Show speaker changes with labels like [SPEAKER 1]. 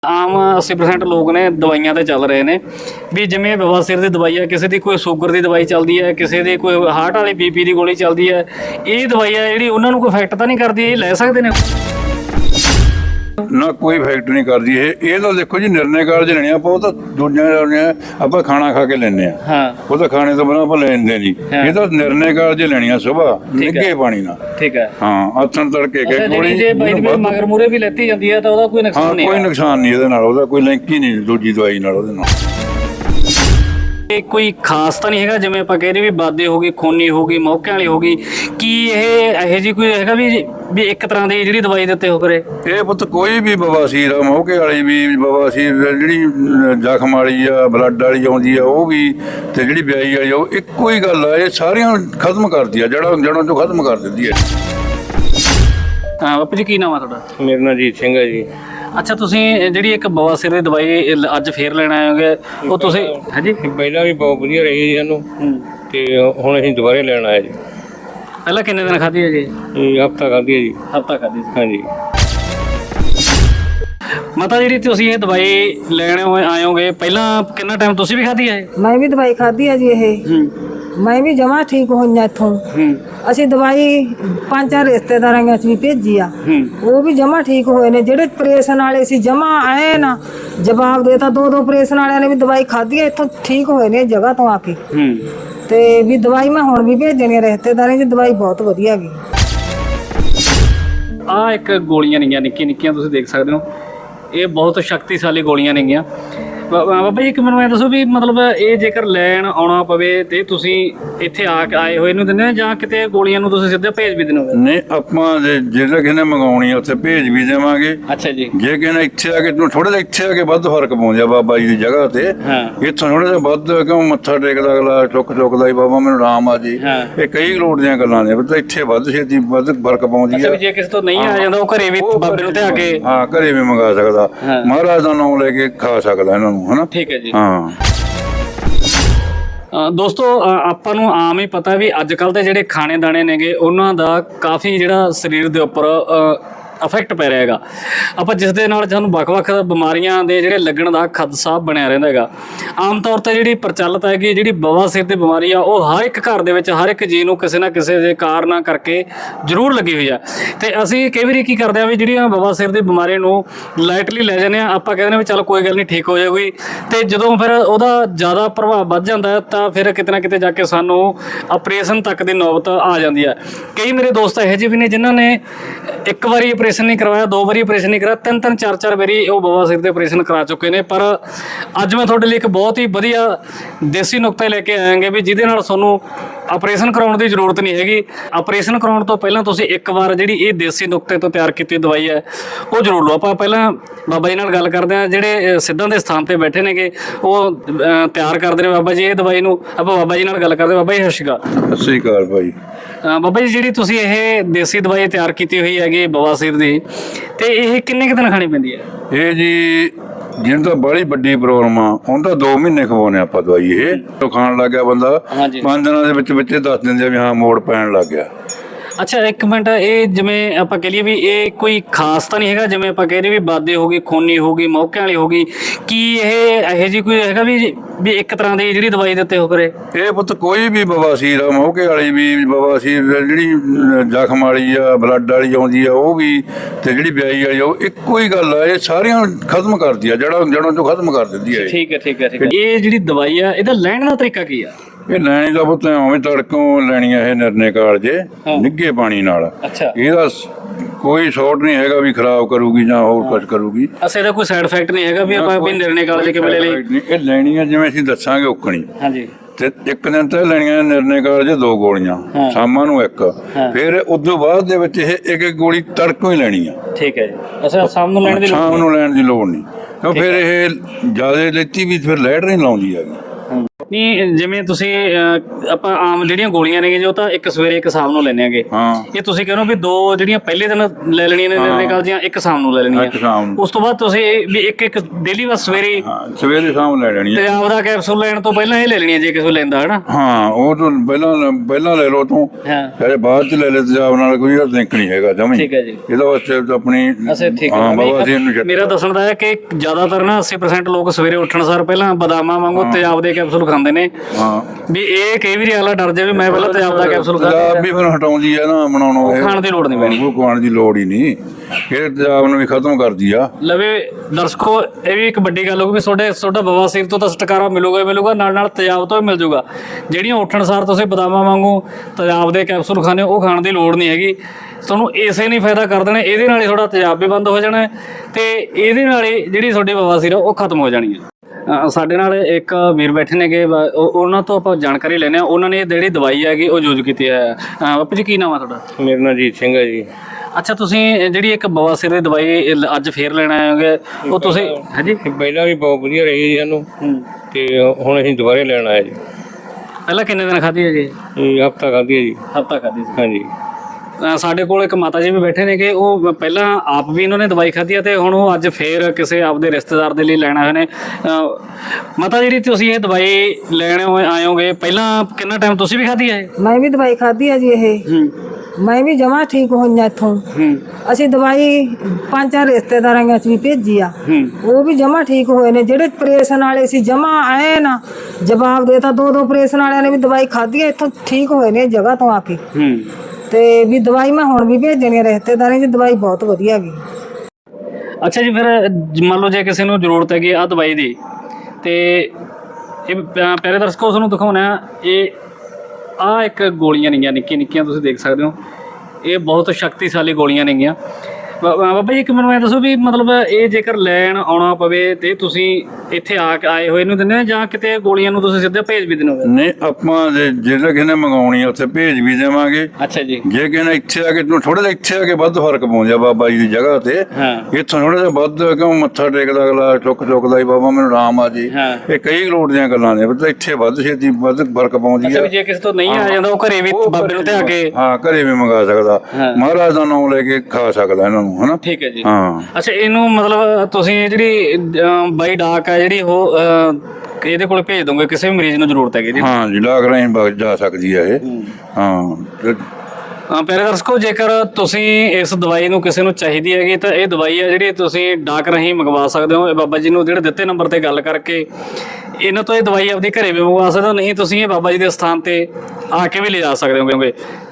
[SPEAKER 1] ਆਮ 80% ਲੋਕ ਨੇ ਦਵਾਈਆਂ ਤੇ ਚੱਲ ਰਹੇ ਨੇ ਵੀ ਜਿਵੇਂ ਬਵਾਸੀਰ ਦੀ ਦਵਾਈ ਹੈ, ਕਿਸੇ ਦੀ ਕੋਈ ਸ਼ੂਗਰ ਦੀ ਦਵਾਈ ਚੱਲਦੀ ਹੈ, ਕਿਸੇ ਦੀ ਕੋਈ ਹਾਰਟ ਵਾਲੀ ਬੀਪੀ ਦੀ ਗੋਲੀ ਚੱਲਦੀ ਹੈ। ਇਹ ਦਵਾਈ ਹੈ ਜਿਹੜੀ ਉਹਨਾਂ ਨੂੰ ਕੋਈ ਇਫੈਕਟ ਤਾਂ ਨਹੀਂ ਕਰਦੀ, ਇਹ ਲੈ ਸਕਦੇ ਨੇ
[SPEAKER 2] ਨਾ ਕੋਈ ਇਫੈਕਟ ਨਹੀਂ ਕਰਦੀ। ਇਹ ਤਾਂ ਦੇਖੋ ਜੀ ਨਿਰਣੇ ਕਾਰਜ ਲੈਣੇ ਆਪਾਂ, ਉਹ ਤਾਂ ਦੂਜਿਆਂ ਆਪਾਂ ਖਾਣਾ ਖਾ ਕੇ ਲੈਂਦੇ ਆ।
[SPEAKER 1] ਹਾਂ,
[SPEAKER 2] ਉਹ ਤਾਂ ਖਾਣੇ ਤੋਂ ਬਿਨਾਂ ਆਪਾਂ ਲੈਂਦੇ ਨਹੀਂ। ਇਹ ਤਾਂ ਨਿਰਣੇ ਕਾਰਜ ਲੈਣੀਆਂ ਸੁਬਾਹ ਨਿੱਘੇ ਪਾਣੀ ਨਾਲ।
[SPEAKER 1] ਠੀਕ ਹੈ।
[SPEAKER 2] ਹਾਂ, ਆਥਣ ਤੜਕੇ ਕੇ
[SPEAKER 1] ਗੋਲੀ ਜੇ ਬਾਈ ਦੀ ਮਗਰ ਮੂਰੇ ਵੀ ਲੈਤੀ ਜਾਂਦੀ ਹੈ ਤਾਂ ਉਹਦਾ ਕੋਈ ਨੁਕਸਾਨ ਨਹੀਂ।
[SPEAKER 2] ਕੋਈ ਨੁਕਸਾਨ ਨਹੀਂ ਇਹਦੇ ਨਾਲ, ਉਹਦਾ ਕੋਈ ਲਿੰਕ ਹੀ ਨਹੀਂ ਦੂਜੀ ਦਵਾਈ ਨਾਲ ਉਹਦੇ ਨਾਲ।
[SPEAKER 1] ਇਹ ਕੋਈ ਖਾਸ ਤਾਂ ਨਹੀਂ ਹੈਗਾ, ਜਿਵੇਂ ਆਪਾਂ ਕਹਿ ਰਹੇ ਵੀ ਬਾਦੇ ਹੋ ਗਈ, ਖੂਨੀ ਹੋ ਗਈ, ਮੌਕਿਆਂ ਵਾਲੀ ਹੋ ਗਈ, ਕੀ ਇਹੋ ਜਿਹੀ ਕੋਈ ਹੈਗਾ ਵੀ ਇੱਕ ਤਰ੍ਹਾਂ ਦੀ ਜਿਹੜੀ ਦਵਾਈ ਦੇ ਉੱਤੇ ਹੋ ਕਰੇ?
[SPEAKER 2] ਇਹ ਪੁੱਤ ਕੋਈ ਵੀ ਬਵਾਸੀਰ ਆ, ਮੌਕੇ ਵਾਲੀ ਵੀ ਬਵਾਸੀਰ, ਜਿਹੜੀ ਜ਼ਖਮ ਵਾਲੀ ਆ, ਬਲੱਡ ਵਾਲੀ ਆਉਂਦੀ ਆ ਉਹ ਵੀ, ਤੇ ਜਿਹੜੀ ਵਿਆਹੀ ਵਾਲੀ ਉਹ ਇੱਕੋ ਹੀ ਗੱਲ ਆ। ਇਹ ਸਾਰੀਆਂ ਖਤਮ ਕਰਦੀ ਆ, ਜੜੋਂ ਤੋਂ ਖਤਮ ਕਰ ਦਿੰਦੀ ਹੈ।
[SPEAKER 1] ਹਾਂ ਬਾਪੂ ਜੀ, ਕੀ ਨਾਮ ਆ ਤੁਹਾਡਾ?
[SPEAKER 3] ਮੇਰਾ ਨਾਮ ਜੀਤ ਸਿੰਘ ਹੈ ਜੀ।
[SPEAKER 1] ਅੱਛਾ, ਤੁਸੀਂ ਜਿਹੜੀ ਇੱਕ ਬਵਾਸੀਰ ਦੀ ਦਵਾਈ ਅੱਜ ਫੇਰ ਲੈਣ ਆਏ ਹੋਗੇ, ਉਹ ਤੁਸੀਂ ਹਾਂਜੀ
[SPEAKER 3] ਪਹਿਲਾਂ ਵੀ ਬਹੁਤ ਵਧੀਆ ਰਹੀ ਜੀ ਸਾਨੂੰ, ਤੇ ਹੁਣ ਅਸੀਂ ਦੁਬਾਰੇ ਲੈਣ ਆਏ ਜੀ।
[SPEAKER 1] ਪਹਿਲਾਂ ਕਿੰਨੇ ਦਿਨ ਖਾਧੀ ਹੈ ਜੀ?
[SPEAKER 3] ਇਹ ਹਫ਼ਤਾ ਖਾਧੀ ਹੈ ਜੀ।
[SPEAKER 1] ਹਫ਼ਤਾ ਖਾਧੀ ਸੀ।
[SPEAKER 3] ਹਾਂਜੀ।
[SPEAKER 1] ਮਾਤਾ ਜਿਹੜੀ ਤੁਸੀਂ ਇਹ ਦਵਾਈ ਲੈਣ ਆਏ ਹੋਗੇ, ਪਹਿਲਾਂ ਕਿੰਨਾ ਟਾਈਮ ਤੁਸੀਂ ਵੀ ਖਾਧੀ ਹੈ?
[SPEAKER 4] ਮੈਂ ਵੀ ਦਵਾਈ ਖਾਧੀ ਹੈ ਜੀ। ਇਹ ਮੈਂ ਵੀ ਜਮਾਂ ਠੀਕ ਹੋਈਆਂ ਇੱਥੋਂ। ਅਸੀਂ ਦਵਾਈ 5-4 ਰਿਸ਼ਤੇਦਾਰਾਂ ਵਿੱਚ ਵੀ ਭੇਜੀ ਆ, ਉਹ ਵੀ ਜਮਾਂ ਠੀਕ ਹੋਏ ਨੇ। ਜਿਹੜੇ ਆਪਰੇਸ਼ਨ ਵਾਲੇ ਸੀ ਜਮਾਂ ਆਏ ਨਾ ਜਵਾਬ ਦੇਤਾ, 2 ਆਪਰੇਸ਼ਨ ਵਾਲਿਆਂ ਨੇ ਵੀ ਦਵਾਈ ਖਾਧੀ ਹੈ, ਇੱਥੋਂ ਠੀਕ ਹੋਏ ਨੇ ਜਗ੍ਹਾ ਤੋਂ ਆ ਕੇ। ਤੇ ਵੀ ਦਵਾਈ ਮੈਂ ਹੁਣ ਵੀ ਭੇਜਣੀ ਹੈ ਰਿਸ਼ਤੇਦਾਰਾਂ 'ਚ, ਦਵਾਈ ਬਹੁਤ ਵਧੀਆ ਗਈ।
[SPEAKER 1] ਆਹ ਇੱਕ ਗੋਲੀਆਂ ਨੇਗੀਆਂ ਨਿੱਕੀਆਂ ਨਿੱਕੀਆਂ, ਤੁਸੀਂ ਦੇਖ ਸਕਦੇ ਹੋ, ਇਹ ਬਹੁਤ ਸ਼ਕਤੀਸ਼ਾਲੀ ਗੋਲੀਆਂ ਨੇਗੀਆਂ। ਬਾਬਾ ਜੀ ਇੱਕ ਮੈਨੂੰ ਇਹ ਦੱਸੋ ਵੀ ਮਤਲਬ ਇਹ ਜੇਕਰ ਲੈਣ ਆਉਣਾ ਪਵੇ ਤੇ ਤੁਸੀਂ ਇੱਥੇ ਆਏ ਹੋਏ ਨੂੰ ਦਿੰਦੇ ਹੋ ਜਾਂ ਕਿਤੇ ਗੋਲੀਆਂ ਨੂੰ ਤੁਸੀਂ ਸਿੱਧਾ ਭੇਜ ਵੀ ਦਿੰਦੇ ਹੋ?
[SPEAKER 2] ਨਹੀਂ, ਆਪਾਂ ਜਿਹੜਾ ਕਿਸੇ ਨੇ ਮੰਗਾਉਣੀ ਆ ਉੱਥੇ ਭੇਜ ਵੀ ਦੇਵਾਂਗੇ।
[SPEAKER 1] ਅੱਛਾ ਜੀ।
[SPEAKER 2] ਜੇ ਕਿਸੇ ਨੇ ਇੱਥੇ ਆ ਕੇ ਥੋੜਾ ਜਿਹਾ ਇੱਥੇ ਆ ਕੇ ਵੱਧ ਫਰਕ ਪਾਉਂਦਾ ਬਾਬਾ ਜੀ ਦੀ ਜਗ੍ਹਾ ਤੇ, ਇੱਥੋਂ ਥੋੜਾ ਜਿਹਾ ਵੱਧ ਕਿਉਂ ਮੱਥਾ ਟੇਕਦਾ ਅਗਲਾ, ਚੁੱਕਦਾ ਹੀ ਬਾਬਾ ਮੈਨੂੰ ਆਰਾਮ ਆ ਜੀ, ਇਹ ਕਈ ਲੋੜ ਦੀਆਂ ਗੱਲਾਂ ਨੇ। ਪਰ ਇੱਥੇ ਵੱਧ ਛੇਤੀ ਵੱਧ ਫਰਕ ਪਾਉਂਦੀ ਹੈ।
[SPEAKER 1] ਜੇ ਕਿਸੇ ਤੋਂ ਨਹੀਂ ਆ ਜਾਂਦਾ ਉਹ ਘਰੇ ਵੀ ਬਾਬੇ ਨੂੰ ਤੇ ਆ ਕੇ,
[SPEAKER 2] ਹਾਂ ਘਰੇ ਵੀ ਮੰਗਾ ਸਕਦਾ, ਮਹਾਰਾਜ ਦਾ ਨਾਮ ਲੈ ਕੇ ਖਾ ਸਕਦਾ ਇਹਨਾਂ ਨੂੰ, ਹਨਾ।
[SPEAKER 1] ਠੀਕ ਹੈ ਜੀ।
[SPEAKER 2] ਹਾਂ
[SPEAKER 1] ਦੋਸਤੋ, ਆਪਾਂ ਨੂੰ ਆਮ ਹੀ ਪਤਾ ਵੀ ਅੱਜ ਕੱਲ੍ਹ ਦੇ ਜਿਹੜੇ ਖਾਣੇ ਦਾਣੇ ਨੇਗੇ ਉਹਨਾਂ ਦਾ ਕਾਫੀ ਜਿਹੜਾ ਸਰੀਰ ਦੇ ਉੱਪਰ ਇਫੈਕਟ ਪੈ ਰਿਹਾ ਹੈਗਾ। ਆਪਾਂ ਜਿਸ ਦੇ ਨਾਲ ਸਾਨੂੰ ਵੱਖ-ਵੱਖ ਬਿਮਾਰੀਆਂ ਦੇ ਜਿਹੜੇ ਲੱਗਣ ਦਾ ਖਦਸ਼ਾ ਬਣਿਆ ਰਹਿੰਦਾ ਹੈਗਾ। ਆਮ ਤੌਰ 'ਤੇ ਜਿਹੜੀ ਪ੍ਰਚਲਿਤ ਹੈਗੀ ਜਿਹੜੀ ਬਵਾਸੀਰ ਦੀ ਬਿਮਾਰੀ ਆ, ਉਹ ਹਰ ਇੱਕ ਘਰ ਦੇ ਵਿੱਚ ਹਰ ਇੱਕ ਜੀਅ ਨੂੰ ਕਿਸੇ ਨਾ ਕਿਸੇ ਦੇ ਕਾਰਨ ਕਰਕੇ ਜ਼ਰੂਰ ਲੱਗੀ ਹੋਈ ਆ। ਤੇ ਅਸੀਂ ਕਈ ਵਾਰੀ ਕੀ ਕਰਦੇ ਆ ਵੀ ਜਿਹੜੀਆਂ ਬਵਾਸੀਰ ਦੀ ਬਿਮਾਰੀ ਨੂੰ ਲਾਈਟਲੀ ਲੈ ਜਾਂਦੇ ਆ, ਆਪਾਂ ਕਹਿੰਦੇ ਵੀ ਚੱਲ ਕੋਈ ਗੱਲ ਨਹੀਂ, ਠੀਕ ਹੋ ਜਾਊਗੀ। ਤੇ ਜਦੋਂ ਫਿਰ ਉਹਦਾ ਜ਼ਿਆਦਾ ਪ੍ਰਭਾਵ ਵੱਧ ਜਾਂਦਾ ਤਾਂ ਫਿਰ ਕਿਤੇ ਨਾ ਕਿਤੇ ਜਾ ਕੇ ਸਾਨੂੰ ਆਪਰੇਸ਼ਨ ਤੱਕ ਦੀ ਨੌਬਤ ਆ ਜਾਂਦੀ ਹੈ। ਕਈ ਮੇਰੇ ਦੋਸਤ ਇਹੋ ਜਿਹੇ ਵੀ ਨੇ ਜਿਨ੍ਹਾਂ ਨੇ ਇੱਕ ਵਾਰੀ ਆਪਰੇਸ਼ਨ ਨਹੀਂ ਕਰਵਾਇਆ, 2 ਵਾਰੀ ਆਪਰੇਸ਼ਨ ਨਹੀਂ ਕਰਾਇਆ, 3-3 4-4 ਵਾਰੀ ਉਹ ਬਵਾਸੀਰ ਦੇ ਆਪਰੇਸ਼ਨ ਕਰਾ ਚੁੱਕੇ ਨੇ। ਪਰ ਅੱਜ ਮੈਂ ਤੁਹਾਡੇ ਲਈ ਇੱਕ ਬਹੁਤ ਹੀ ਵਧੀਆ ਦੇਸੀ ਨੁਕਤੇ ਲੈ ਕੇ ਆਵਾਂਗੇ ਵੀ ਜਿਹਦੇ ਨਾਲ ਤੁਹਾਨੂੰ ਆਪਰੇਸ਼ਨ ਕਰਾਉਣ ਦੀ ਜ਼ਰੂਰਤ ਨਹੀਂ ਹੈਗੀ। ਆਪਰੇਸ਼ਨ ਕਰਾਉਣ ਤੋਂ ਪਹਿਲਾਂ ਤੁਸੀਂ ਇੱਕ ਵਾਰ ਜਿਹੜੀ ਇਹ ਦੇਸੀ ਨੁਕਤੇ ਤੋਂ ਤਿਆਰ ਕੀਤੀ ਦਵਾਈ ਹੈ ਉਹ ਜ਼ਰੂਰ ਲਓ। ਆਪਾਂ ਪਹਿਲਾਂ ਬਾਬਾ ਜੀ ਨਾਲ ਗੱਲ ਕਰਦੇ ਹਾਂ, ਜਿਹੜੇ ਸਿੱਧਾਂ ਦੇ ਸਥਾਨ 'ਤੇ ਬੈਠੇ ਨੇਗੇ, ਉਹ ਤਿਆਰ ਕਰਦੇ ਨੇ ਬਾਬਾ ਜੀ ਇਹ ਦਵਾਈ ਨੂੰ। ਆਪਾਂ ਬਾਬਾ ਜੀ ਨਾਲ ਗੱਲ ਕਰਦੇ। ਬਾਬਾ ਜੀ ਸਤਿ ਸ਼੍ਰੀ ਅਕਾਲ।
[SPEAKER 2] ਸਤਿ ਸ਼੍ਰੀ ਅਕਾਲ ਭਾਈ।
[SPEAKER 1] ਬਾਬਾ ਜੀ ਜਿਹੜੀ ਤੁਸੀਂ ਇਹ ਦੇਸੀ ਦਵਾਈ ਤਿਆਰ ਕੀਤੀ ਹੋਈ ਹੈਗੀ ਬਵਾਸੀਰ ਦੀ, ਤੇ ਇਹ ਕਿੰਨੇ ਕੁ ਦਿਨ ਖਾਣੀ ਪੈਂਦੀ ਹੈ?
[SPEAKER 2] ਇਹ ਜੀ ਜਿਹਨੂੰ ਤਾਂ ਬੜੀ ਵੱਡੀ ਪ੍ਰੋਬਲਮ ਆ ਉਹਨੂੰ ਤਾਂ 2 ਮਹੀਨੇ ਖਵਾਉਣੇ ਆਪਾਂ ਦਵਾਈ। ਇਹ ਖਾਣ ਲੱਗ ਗਿਆ ਬੰਦਾ 5 ਦਿਨਾਂ ਦੇ ਵਿੱਚ ਦੱਸ ਦਿੰਦੇ ਆ ਵੀ ਹਾਂ ਮੋੜ ਪੈਣ ਲੱਗ ਗਿਆ।
[SPEAKER 1] ਅੱਛਾ, ਇੱਕ ਮਿੰਟ, ਇਹ ਜਿਵੇਂ ਆਪਾਂ ਕਹਿ ਲਈਏ ਵੀ ਇਹ ਕੋਈ ਖਾਸ ਤਾਂ ਨਹੀਂ ਹੈਗਾ, ਜਿਵੇਂ ਆਪਾਂ ਕਹਿ ਰਹੇ ਵੀ ਬਾਦੇ ਹੋ ਗਈ, ਖੂਨੀ ਹੋ ਗਈ, ਮੌਕਿਆਂ ਵਾਲੀ ਹੋ ਗਈ, ਕੀ ਇਹ ਇਹੋ ਜਿਹੀ ਕੋਈ ਹੈਗਾ ਵੀ ਇੱਕ ਤਰ੍ਹਾਂ ਦੀ ਜਿਹੜੀ ਦਵਾਈ ਦੇ ਉੱਤੇ ਹੋ ਕਰੇ?
[SPEAKER 2] ਇਹ ਪੁੱਤ ਕੋਈ ਵੀ ਬਵਾਸੀਰ ਆ, ਮੌਕੇ ਵਾਲੀ ਵੀ ਬਵਾਸੀਰ, ਜਿਹੜੀ ਜ਼ਖਮ ਵਾਲੀ ਆ, ਬਲੱਡ ਵਾਲੀ ਆਉਂਦੀ ਆ ਉਹ ਵੀ, ਤੇ ਜਿਹੜੀ ਵਿਆਹੀ ਵਾਲੀ ਉਹ ਇੱਕੋ ਹੀ ਗੱਲ ਆ। ਇਹ ਸਾਰੀਆਂ ਖਤਮ ਕਰਦੀ ਆ, ਜੜੋਂ ਤੋਂ ਖਤਮ ਕਰ ਦਿੰਦੀ ਆ।
[SPEAKER 1] ਠੀਕ ਹੈ, ਠੀਕ ਹੈ, ਠੀਕ ਹੈ। ਇਹ ਜਿਹੜੀ ਦਵਾਈ ਆ ਇਹਦਾ ਲੈਣ ਦਾ ਤਰੀਕਾ ਕੀ ਆ?
[SPEAKER 2] ਇਹ ਲੈਣੀ ਦਾ ਪੁੱਤ ਉਵੇਂ ਤੜਕੋਂ ਲੈਣੀ ਆ, ਇਹ ਨਿਰਣੇ ਕਾਲਜੇ ਨਿੱਘੇ ਪਾਣੀ ਨਾਲ।
[SPEAKER 1] ਅੱਛਾ,
[SPEAKER 2] ਇਹਦਾ ਕੋਈ ਸ਼ਾਰਟ ਨਹੀਂ ਹੈਗਾ ਵੀ ਖਰਾਬ ਕਰੂਗੀ ਜਾਂ ਹੋਰ ਕੁਝ ਕਰੂਗੀ।
[SPEAKER 1] ਅਸੇ ਇਹਦਾ ਕੋਈ ਸਾਈਡ ਇਫੈਕਟ ਨਹੀਂ ਹੈਗਾ ਵੀ ਆਪਾਂ ਵੀ ਨਿਰਣੇ ਕਾਲਜੇ ਕਿਵੇਂ ਲੈ ਲਈ?
[SPEAKER 2] ਇਹ ਲੈਣੀ ਆ ਜਿਵੇਂ ਅਸੀਂ ਦੱਸਾਂਗੇ ਉਕਣੀ।
[SPEAKER 1] ਹਾਂਜੀ।
[SPEAKER 2] ਤੇ ਇੱਕ ਦਿਨ ਤਾਂ ਲੈਣੀਆਂ ਨਿਰਣੇ ਕਾਲਜੇ 2 ਗੋਲੀਆਂ, ਸ਼ਾਮਾਂ ਨੂੰ 1, ਫਿਰ ਉਦੋਂ ਬਾਅਦ ਦੇ ਵਿੱਚ ਇਹ ਇੱਕ ਗੋਲੀ ਤੜਕੋਂ ਹੀ ਲੈਣੀ ਆ।
[SPEAKER 1] ਠੀਕ ਹੈ ਜੀ। ਅੱਛਾ, ਸ਼ਾਮ ਨੂੰ ਲੈਣ ਦੀ
[SPEAKER 2] ਲੋੜ ਨਹੀਂ, ਕਿਉਂ ਫਿਰ ਇਹ ਜ਼ਿਆਦਾ ਲੈਤੀ ਵੀ ਫਿਰ ਲਾਈਟ ਨਹੀਂ ਲਾਉਂਦੀ ਹੈਗੀ।
[SPEAKER 1] ਨਹੀਂ ਜਿਵੇਂ ਤੁਸੀਂ ਆਪਾਂ ਆਮ ਜਿਹੜੀਆਂ ਗੋਲੀਆਂ ਨੇਗੇ ਜੋ ਤਾਂ ਇੱਕ ਸਵੇਰੇ ਇੱਕ ਸ਼ਾਮ ਨੂੰ ਲੈਣੇ ਆਗੇ
[SPEAKER 2] ਹਾਂ
[SPEAKER 1] ਇਹ ਤੁਸੀਂ ਕਹਿੰਦੇ ਹੋ ਵੀ ਦੋ ਜਿਹੜੀਆਂ ਪਹਿਲੇ ਦਿਨ ਲੈ ਲੈਣੀਆਂ ਨੇ ਨਿਰਣੇ ਦੀਆਂ ਇੱਕ ਸ਼ਾਮ ਨੂੰ ਲੈ ਲੈਣੀਆਂ
[SPEAKER 2] ਇੱਕ ਸ਼ਾਮ ਨੂੰ
[SPEAKER 1] ਉਸ ਤੋਂ ਬਾਅਦ ਤੁਸੀਂ ਵੀ ਇੱਕ ਇੱਕ ਡੇਲੀ ਬਸ ਸਵੇਰੇ
[SPEAKER 2] ਹਾਂ ਸਵੇਰੇ ਸ਼ਾਮ ਲੈ ਲੈਣੀ ਹੈ।
[SPEAKER 1] ਤੇ ਆਪਦਾ ਕੈਪਸੂਲ ਲੈਣ ਤੋਂ ਪਹਿਲਾਂ ਇਹ ਲੈ ਲੈਣੀਆਂ ਜੇ ਕਿਸੇ ਲੈਂਦਾ ਹਨਾ।
[SPEAKER 2] ਹਾਂ ਉਹ ਤੋਂ ਪਹਿਲਾਂ ਲੈ ਲਓ ਤੂੰ
[SPEAKER 1] ਹਾਂ
[SPEAKER 2] ਚਾਹੇ ਬਾਅਦ ਚ ਲੈ ਲੈ ਤੇਜ਼ਾਬ ਨਾਲ ਕੋਈ ਲਿੰਕ ਨਹੀਂ ਹੈਗਾ ਜਮੀ
[SPEAKER 1] ਠੀਕ ਹੈ ਜੀ।
[SPEAKER 2] ਇਹਦਾ ਵਾਸਤੇ ਤਾਂ ਆਪਣੀ
[SPEAKER 1] ਅੱਛਾ ਠੀਕ
[SPEAKER 2] ਹਾਂ
[SPEAKER 1] ਹੈ
[SPEAKER 2] ਬਾਬਾ ਜੀ ਨੂੰ
[SPEAKER 1] ਮੇਰਾ ਦੱਸਣ ਦਾ ਹੈ ਕਿ ਜ਼ਿਆਦਾਤਰ ਨਾ 80% ਲੋਕ ਸਵੇਰੇ ਉੱਠਣ ਸਾਰ ਪਹਿਲਾਂ ਬਦਾਮਾਂ ਵਾਂਗੂ ਤੇਜ਼ਾਬ ਦੇ ਕੈਪਸੂਲ ਖਾਂਦੇ ਨੇ
[SPEAKER 2] ਹਾਂ
[SPEAKER 1] ਵੀ ਇਹ ਕਈ ਵਾਰੀ ਅਗਲਾ ਡਰ ਜਾਵੇ ਮੈਂ ਪਹਿਲਾਂ ਤੇਜ਼ਾਬ ਦਾ ਕੈਪਸੂਲ
[SPEAKER 2] ਤੇਜ਼ਾਬ ਵੀ ਫਿਰ ਹਟਾਉਂਦੀ ਆ ਨਾ ਬਣਾਉਣੋਂ ਇਹ
[SPEAKER 1] ਖਾਣ ਦੀ ਲੋੜ ਨਹੀਂ ਪੈਣੀ।
[SPEAKER 2] ਉਹ ਖਾਣ ਦੀ ਲੋੜ ਹੀ ਨਹੀਂ ਇਹ ਤੇਜ਼ਾਬ ਨੂੰ ਵੀ ਖਤਮ ਕਰਦੀ ਆ।
[SPEAKER 1] ਲਵੇ ਦਰਸ਼ਕੋ ਇਹ ਵੀ ਇੱਕ ਵੱਡੀ ਗੱਲ ਹੋਊਗੀ ਵੀ ਤੁਹਾਡਾ ਬਵਾਸੀਰ ਤੋਂ ਤਾਂ ਛੁਟਕਾਰਾ ਮਿਲੂਗਾ ਨਾਲ ਨਾਲ ਤੇਜ਼ਾਬ ਤੋਂ ਵੀ ਮਿਲ ਜਾਊਗਾ। ਜਿਹੜੀਆਂ ਉੱਠਣ ਸਾਰ ਤੁਸੀਂ ਬਦਾਮਾਂ ਵਾਂਗੂ ਤੇਜ਼ਾਬ ਦੇ ਕੈਪਸੂਲ ਖਾਣੇ ਉਹ ਖਾਣ ਦੀ ਲੋੜ ਨਹੀਂ ਹੈਗੀ। ਤੁਹਾਨੂੰ ਇਸੇ ਨਹੀਂ ਫਾਇਦਾ ਕਰ ਦੇਣਾ ਇਹਦੇ ਨਾਲ ਹੀ ਤੁਹਾਡਾ ਤੇਜ਼ਾਬ ਵੀ ਬੰਦ ਹੋ ਜਾਣਾ ਤੇ ਇਹਦੇ ਨਾਲ ਹੀ ਜਿਹੜੀ ਤੁਹਾਡੀ ਬਵਾਸੀਰ ਉਹ ਖਤਮ ਹੋ ਜਾਣੀ ਹੈ। ਸਾਡੇ ਨਾਲ ਇੱਕ ਵੀਰ ਬੈਠੇ ਨੇਗੇ ਉਹਨਾਂ ਤੋਂ ਆਪਾਂ ਜਾਣਕਾਰੀ ਲੈਣੇ ਆ। ਉਹਨਾਂ ਨੇ ਜਿਹੜੀ ਦਵਾਈ ਹੈਗੀ ਉਹ ਯੂਜ਼ ਕੀਤੀ ਹੈ। ਬਾਪੂ ਜੀ ਕੀ ਨਾਮ ਆ ਤੁਹਾਡਾ?
[SPEAKER 3] ਮੇਰਾ ਨਾਂ ਜੀਤ ਸਿੰਘ ਹੈ ਜੀ।
[SPEAKER 1] ਅੱਛਾ ਤੁਸੀਂ ਜਿਹੜੀ ਇੱਕ ਬਵਾਸੀਰ ਦੀ ਦਵਾਈ ਅੱਜ ਫੇਰ ਲੈਣ ਆਏ ਹੋਗੇ ਉਹ ਤੁਸੀਂ ਹਾਂਜੀ
[SPEAKER 3] ਪਹਿਲਾਂ ਵੀ ਬਹੁਤ ਵਧੀਆ ਰਹੀ ਜੀ ਸਾਨੂੰ ਤੇ ਹੁਣ ਅਸੀਂ ਦੁਬਾਰੇ ਲੈਣ ਆਏ ਜੀ।
[SPEAKER 1] ਪਹਿਲਾਂ ਕਿੰਨੇ ਦਿਨ ਖਾਧੀ ਹੈ ਜੀ?
[SPEAKER 3] ਇਹ ਹਫਤਾ ਖਾਧੀ ਹੈ ਜੀ।
[SPEAKER 1] ਹਫ਼ਤਾ ਖਾਧੀ ਸੀ।
[SPEAKER 3] ਹਾਂਜੀ
[SPEAKER 1] ਸਾਡੇ ਕੋਲ ਇੱਕ ਮਾਤਾ ਜੀ ਵੀ ਬੈਠੇ ਨੇਗੇ ਉਹ ਪਹਿਲਾਂ ਆਪ ਵੀ ਇਹਨਾਂ ਨੇ ਦਵਾਈ ਖਾਧੀ ਆ ਤੇ ਹੁਣ ਉਹ ਅੱਜ ਫੇਰ ਕਿਸੇ ਆਪਦੇ ਰਿਸ਼ਤੇਦਾਰ ਦੇ ਲਈ ਲੈਣ ਆਏ ਨੇ। ਮਾਤਾ ਜਿਹੜੀ ਤੁਸੀਂ ਇਹ ਦਵਾਈ ਲੈਣ ਆਏ ਹੋਗੇ ਪਹਿਲਾਂ ਕਿੰਨਾ ਟਾਈਮ ਤੁਸੀਂ ਵੀ ਖਾਧੀ ਹੈ?
[SPEAKER 4] ਮੈਂ ਵੀ ਦਵਾਈ ਖਾਧੀ ਆ ਜੀ ਇਹ ਮੈਂ ਵੀ ਜਮਾ ਠੀਕ ਹੋਈਆਂ ਇੱਥੋਂ। ਅਸੀਂ ਦਵਾਈ 5-4 ਰਿਸ਼ਤੇਦਾਰਾਂ ਚ ਵੀ ਭੇਜੀ ਆ ਉਹ ਵੀ ਜਮਾ ਠੀਕ ਹੋਏ ਨੇ। ਜਿਹੜੇ ਆਪਰੇਸ਼ਨ ਵਾਲੇ ਸੀ ਜਮਾ ਆਏ ਨਾ ਜਵਾਬ ਦੇਤਾ 2 ਆਪਰੇਸ਼ਨ ਵਾਲਿਆਂ ਨੇ ਵੀ ਦਵਾਈ ਖਾਧੀ ਆ ਇੱਥੋਂ ਠੀਕ ਹੋਏ ਨੇ ਜਗ੍ਹਾ ਤੋਂ ਆ ਕੇ। ਤੇ ਵੀ ਦਵਾਈ ਮੈਂ ਹੁਣ ਵੀ ਭੇਜਣੀ ਆ ਰਿਸ਼ਤੇਦਾਰਾਂ ਦੀ ਦਵਾਈ ਬਹੁਤ ਵਧੀਆ ਗਈ।
[SPEAKER 1] ਅੱਛਾ ਜੀ ਫਿਰ ਮੰਨ ਲਓ ਜੇ ਕਿਸੇ ਨੂੰ ਜ਼ਰੂਰਤ ਹੈਗੀ ਆ ਦਵਾਈ ਦੀ ਤੇ ਇਹ ਪਿਆਰੇ ਦਰਸ਼ਕੋ ਤੁਹਾਨੂੰ ਦਿਖਾਉਣਾ ਇਹ ਆ ਇੱਕ ਗੋਲੀਆਂ ਨੇਗੀਆਂ ਨਿੱਕੀਆਂ ਨਿੱਕੀਆਂ ਤੁਸੀਂ ਦੇਖ ਸਕਦੇ ਹੋ ਇਹ ਬਹੁਤ ਸ਼ਕਤੀਸ਼ਾਲੀ ਗੋਲੀਆਂ ਨੇਗੀਆਂ। ਬਾਬਾ ਜੀ ਇੱਕ ਮੈਨੂੰ ਐ ਦੱਸੋ ਵੀ ਮਤਲਬ ਇਹ ਜੇਕਰ ਲੈਣ ਆਉਣਾ ਪਵੇ ਤੇ ਤੁਸੀਂ ਇੱਥੇ ਆਏ ਹੋਏ ਨੂੰ ਦਿੰਦੇ ਜਾਂ ਕਿਤੇ ਗੋਲੀਆਂ ਨੂੰ ਤੁਸੀਂ ਸਿੱਧਾ ਭੇਜ ਵੀ ਦਿੰਦੇ ਹੋ?
[SPEAKER 2] ਨਹੀਂ ਆਪਾਂ ਜਿਹੜਾ ਕਿਸੇ ਨੇ ਮੰਗਾਉਣੀ ਆ ਉੱਥੇ ਭੇਜ ਵੀ ਦੇਵਾਂਗੇ।
[SPEAKER 1] ਅੱਛਾ ਜੀ।
[SPEAKER 2] ਜੇ ਕਿਸੇ ਨੇ ਇੱਥੇ ਆ ਕੇ ਥੋੜਾ ਜਿਹਾ ਇੱਥੇ ਆ ਕੇ ਵੱਧ ਫਰਕ ਪਾਉਂਦਾ ਬਾਬਾ ਜੀ ਦੀ ਜਗ੍ਹਾ ਤੇ ਇੱਥੋਂ ਥੋੜਾ ਜਿਹਾ ਵੱਧ ਕਿਉਂ ਮੱਥਾ ਟੇਕਦਾ ਅਗਲਾ ਚੁੱਕਦਾ ਹੀ ਬਾਬਾ ਮੈਨੂੰ ਆਰਾਮ ਆ ਜੀ ਇਹ ਕਈ ਲੋੜ ਦੀਆਂ ਗੱਲਾਂ ਨੇ ਪਰ ਇੱਥੇ ਵੱਧ ਛੇਤੀ ਵੱਧ ਫਰਕ ਪਾਉਂਦੀ ਆ।
[SPEAKER 1] ਜੇ ਕਿਸੇ ਤੋਂ ਨਹੀਂ ਆ ਜਾਂਦਾ ਉਹ ਘਰੇ ਵੀ ਬਾਬੇ ਨੂੰ ਤੇ ਆ ਕੇ
[SPEAKER 2] ਹਾਂ ਘਰੇ ਵੀ ਮੰਗਾ ਸਕਦਾ ਮਹਾਰਾਜ ਦਾ ਨਾਮ ਲੈ ਕੇ ਖਾ ਸਕਦਾ ਇਹਨਾਂ ਨੂੰ ਹਨਾ।
[SPEAKER 1] ਠੀਕ ਹੈ ਜੀ।
[SPEAKER 2] ਹਾਂ
[SPEAKER 1] ਅੱਛਾ ਇਹਨੂੰ ਮਤਲਬ ਤੁਸੀਂ ਜਿਹੜੀ ਬਾਈ ਡਾਕ ਆ ਜਿਹੜੀ ਉਹ ਇਹਦੇ ਕੋਲ ਭੇਜ ਦੋਗੇ ਕਿਸੇ ਵੀ ਮਰੀਜ਼ ਨੂੰ ਜ਼ਰੂਰਤ ਹੈਗੀ ਜੀ?
[SPEAKER 2] ਹਾਂ ਜੀ ਡਾਕ ਰਾਹੀਂ ਬਚ ਜਾ ਸਕਦੀ ਹੈ ਇਹ। ਹਾਂ
[SPEAKER 1] ਪਿਆਰੇ ਦਰਸ਼ਕੋ ਜੇਕਰ ਤੁਸੀਂ ਇਸ ਦਵਾਈ ਨੂੰ ਕਿਸੇ ਨੂੰ ਚਾਹੀਦੀ ਹੈਗੀ ਤਾਂ ਇਹ ਦਵਾਈ ਹੈ ਜਿਹੜੀ ਤੁਸੀਂ ਡਾਕ ਰਾਹੀਂ ਮੰਗਵਾ ਸਕਦੇ ਹੋ। ਇਹ ਬਾਬਾ ਜੀ ਨੂੰ ਜਿਹੜੇ ਦਿੱਤੇ ਨੰਬਰ ਤੇ ਗੱਲ ਕਰਕੇ ਇਹਨਾਂ ਤੋਂ ਇਹ ਦਵਾਈ ਆਪਦੇ ਘਰੇ ਵੀ ਮੰਗਵਾ ਸਕਦੇ ਹੋ ਨਹੀਂ ਤੁਸੀਂ ਇਹ ਬਾਬਾ ਜੀ ਦੇ ਸਥਾਨ ਤੇ ਆ ਕੇ ਵੀ ਲਿਜਾ ਸਕਦੇ ਹੋਗੇ।